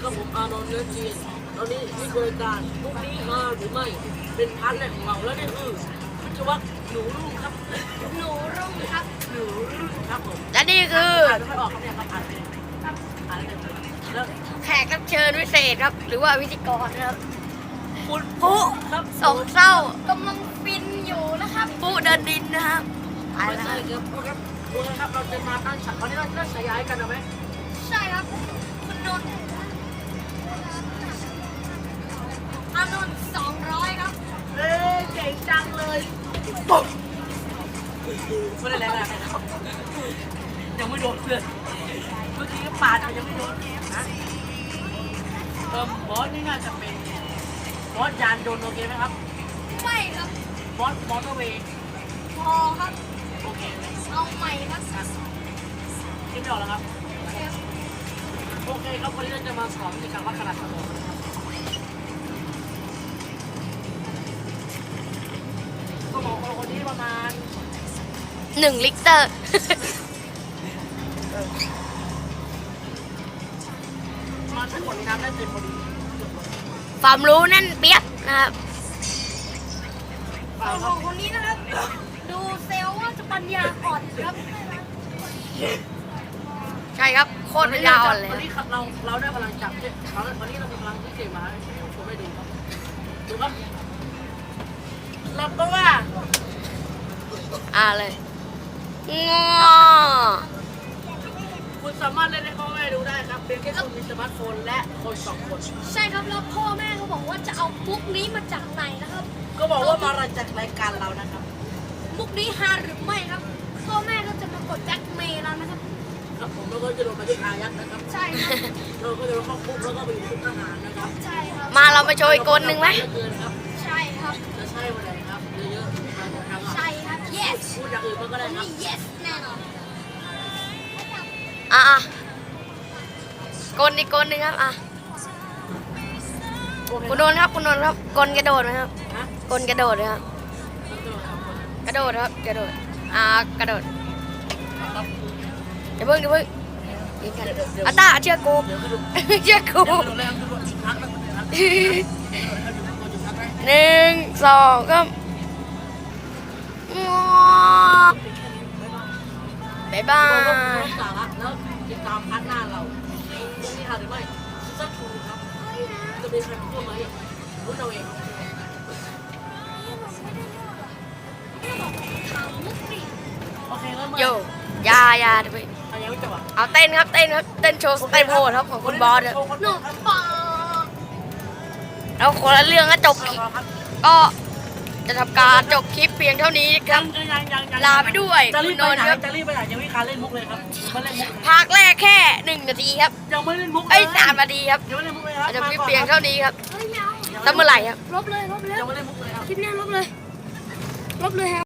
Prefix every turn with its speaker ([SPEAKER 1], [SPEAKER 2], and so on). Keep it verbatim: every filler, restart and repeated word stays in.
[SPEAKER 1] กับผมอานนท์เนื้อจีนตอนนี้นี่คือรายการพรุ่งนี้มาหรือไม่เป็นพาร์ทแรกของเราแล้วนี่คือวิศวะหนูรุ่งครับหนูรุ่งครับหนูรุ่งครับผม
[SPEAKER 2] และนี่คือ
[SPEAKER 1] อ่านไม่ค่อยออกครับเนี่ยครับอ่านเป็นครับอ่านได้เลยแล้ว
[SPEAKER 2] แขกรับเชิญพิเศษครับ หรือว่าพิธีกรนะครับ
[SPEAKER 1] คุณ
[SPEAKER 2] ปุ๊
[SPEAKER 1] ครับ
[SPEAKER 2] สองเศร้ากำลังฟินอยู่นะครับปุ๊เดินดินนะครับไป
[SPEAKER 1] ไม่
[SPEAKER 2] แล้วค
[SPEAKER 1] ใช่
[SPEAKER 2] รับ
[SPEAKER 1] ครับพูดครับพูดครับเราจะมาตั้งฉากวันนี้เราจะตั้งฉายาให้กันเอาไหม
[SPEAKER 2] ใช่ครับคุณนนท์อานนท์สองร้อยครับ
[SPEAKER 1] เอ้ยเก่งจังเลยปุ๊บไม่ได้แรงอะไรนะครับยังไม่โดนเลยเมื่อกี้ก็ปาดเอายังไม่โดนนะเติมบอสนี่น่าจะเป็นบอสยานยนต์โอเคไหมครับ
[SPEAKER 2] ไม่ครับ
[SPEAKER 1] บอสมอเตอร์เวย์
[SPEAKER 2] พอครับ
[SPEAKER 1] โอเคไหม
[SPEAKER 2] เอาใหม่ครับ
[SPEAKER 1] คิดไม่ออกแล้วครับโอเคครับวันนี้เราจะมาสอนวิธีการวัดขนาดสมองนะครับสมองของคนนี้ประมาณ
[SPEAKER 2] หนึ่งลิตร
[SPEAKER 1] มาทั้งหมดในน้ำได้เต็มพอดี
[SPEAKER 2] ความรู้แน่นเปียกนะครับ
[SPEAKER 1] เปล่าค
[SPEAKER 2] ข
[SPEAKER 1] รั
[SPEAKER 2] อบ งคนนี้นะครับ ดูเซลล์ว่าจะปัญญาอ่อนครับ ใช่ครับ โคตรปัญญาอ่อนเลย
[SPEAKER 1] วันนี้เราเราได้พลังจับเนี่ยเราวันนี้เรามีพลังพิเศษมาให้ชมให้ดูครับดูครับเราก็ว่า
[SPEAKER 2] อ่าเลยงอ
[SPEAKER 1] คุณสามารถเล่นให้พ่อแม่ดูได้ครับเพียงแค่คุณมีสมาร์ทโฟนและคนสองคน
[SPEAKER 2] ใช่ครับแล้วพ่อแม่เขาบอกว่าจะเอามุกนี้มาจากไหนนะครับ
[SPEAKER 1] ก็บอกว่ามาจากรายการเรานะครับ
[SPEAKER 2] มุกนี้ฮาหรือไม่ครับ พ่อแม่ก็จะมากดแจ็คเมย์แล้วนะครับ
[SPEAKER 1] ครับผมแล้วก็จะโดนบันทึกอายัดนะครับ
[SPEAKER 2] ใช่ครับ
[SPEAKER 1] เราก็จะโดนเข้าคุกแล้วก็ไปอยู่คุกทหารนะครับ
[SPEAKER 2] ใช่ครับ
[SPEAKER 3] มาเรามาโชว์อีกคนหนึ่งไหม
[SPEAKER 1] เยอะเกินครับ
[SPEAKER 2] ใช่ครับ
[SPEAKER 1] จะใช่วันไหนครับเยอะๆทางทางอ่ะ
[SPEAKER 2] ใช่ครับ yes
[SPEAKER 1] พูดอย่างอื่นมันก็ได้ครับ
[SPEAKER 2] นี่ yes แน่นอน
[SPEAKER 3] อ่ะอ่ะกลอีกกลหนึ่งครับอ่ะ
[SPEAKER 1] โอเค
[SPEAKER 3] คุณนนท์ครับคุณนนท์ครับกลกระโดดไหมครับ
[SPEAKER 1] ฮะ
[SPEAKER 3] กลกระโดดเลยครับกระโดดครับกระโดดอ่ากระโดดเดี๋ยวเพิ่งเดี๋ยวเพิ่งยิงกันอ่ะตาเชื่อกู
[SPEAKER 1] เดี๋ยวก็ดู
[SPEAKER 3] เชื่อกู
[SPEAKER 1] เดี๋ยวก็ดูแลครับดูอีกครั้งนะครับเดี๋ยวนะครับ
[SPEAKER 3] หนึ่งสองก็งอบายบา
[SPEAKER 1] ก็
[SPEAKER 3] ย
[SPEAKER 1] สาระแล้วติดตามพัฒนาเราเรื่องนี้ค่ะหรือไม่สักทูครับจะมีใครพูดไหมรู้เราเอง
[SPEAKER 2] ถามมุกดิ
[SPEAKER 1] โอเคแล้วมา
[SPEAKER 3] โยอยาอยาเดี๋ยวไป
[SPEAKER 1] อันยังไม่จบอ่ะ
[SPEAKER 3] เอาเต้นครับเต้นครับเต้นโชว์สเต็ปโหดครับของคุณบอสเนี่ย
[SPEAKER 2] หนูปอ
[SPEAKER 3] แล้วคนละเรื่องก็จบคลิปก็จะทำการจบคลิปเพียงเท่านี้ครับ ลาไปด้วย
[SPEAKER 1] จะรี
[SPEAKER 3] คุ
[SPEAKER 1] บ
[SPEAKER 3] ณ
[SPEAKER 1] ไป
[SPEAKER 3] นน
[SPEAKER 1] ไหน
[SPEAKER 3] ท์ครับ
[SPEAKER 1] จะรีบไปไหนยังไม่การเล่นมุกเลยครับไม่เล่นมุก
[SPEAKER 3] ภาคแรกแค่หนึ่งนาทีครับ
[SPEAKER 1] ยังไม่เล่นมุกเลย
[SPEAKER 3] ไอ้ยสามนาทีครับ
[SPEAKER 1] ยังไม่เล่นมุกเลยครับ
[SPEAKER 3] จะคลิปเพียงเท่านี้ครับ
[SPEAKER 2] เฮ้ยไม่เอา
[SPEAKER 3] ตั้งเมื่อไหร่ครับ
[SPEAKER 2] ลบเลยลบเลย
[SPEAKER 1] ยังไม่เล่นมุกเลยครับ
[SPEAKER 2] คลิปนี้ลบเลย ลบเลยครับ